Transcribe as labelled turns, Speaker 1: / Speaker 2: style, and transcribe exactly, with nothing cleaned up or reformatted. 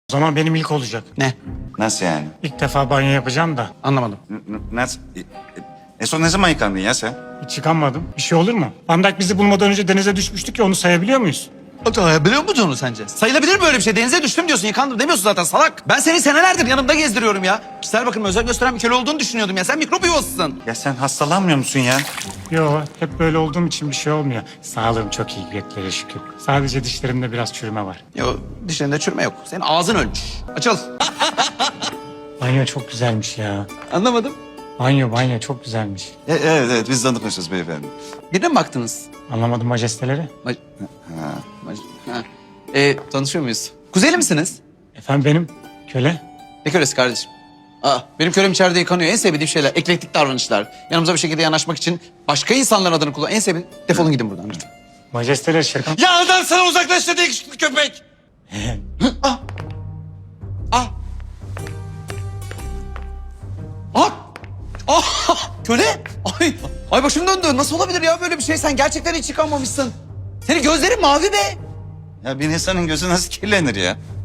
Speaker 1: O zaman benim ilk olacak.
Speaker 2: Ne?
Speaker 3: Nasıl yani?
Speaker 1: İlk defa banyo yapacağım da.
Speaker 2: Anlamadım.
Speaker 3: N- n- nasıl? E, e, en son ne zaman yıkandın ya sen?
Speaker 1: Hiç çıkamadım. Bir şey olur mu? Van Dijk bizi bulmadan önce denize düşmüştük ya, onu sayabiliyor muyuz?
Speaker 2: Biliyor musun onu sence? Sayılabilir mi böyle bir şey? Denize düştüm diyorsun, yıkandım demiyorsun zaten salak. Ben seni senelerdir yanımda gezdiriyorum ya. Kişisel bakımı özel gösteren bir köle olduğunu düşünüyordum ya. Sen mikrop yuvasısın.
Speaker 3: Ya sen hastalanmıyor musun ya?
Speaker 1: Yo, hep böyle olduğum için bir şey olmuyor. Sağlığım çok iyi, göklere şükür. Sadece dişlerimde biraz çürüme var.
Speaker 2: Yo, dişlerinde çürüme yok. Senin ağzın ölmüş. Açıl.
Speaker 1: Banyo çok güzelmiş ya.
Speaker 2: Anlamadım.
Speaker 1: Banyo banyo çok güzelmiş.
Speaker 3: E, evet evet biz tanımışız beyefendi.
Speaker 2: Birine mi baktınız?
Speaker 1: Anlamadım majesteleri.
Speaker 2: Mac ha. Mac ha. Ee, tanışıyor muyuz? Kuzeyli misiniz?
Speaker 1: Efendim benim köle.
Speaker 2: Ne kölesi kardeşim? Aa, benim kölem içeride yıkanıyor. En sevdiğim şeyler eklektik davranışlar. Yanımıza bir şekilde yanaşmak için başka insanların adını kullan. En sevdiğim... Defolun gidin buradan lütfen.
Speaker 1: Majesteleri şaka...
Speaker 2: Ya adam sana uzaklaş dedi yakışıklı köpek. ah. Ah. Ah. Ah. Köle. Ay. Ay başım döndü. Nasıl olabilir ya böyle bir şey? Sen gerçekten hiç yıkanmamışsın. Senin gözlerin mavi be.
Speaker 3: Ya bir insanın gözü nasıl kirlenir ya?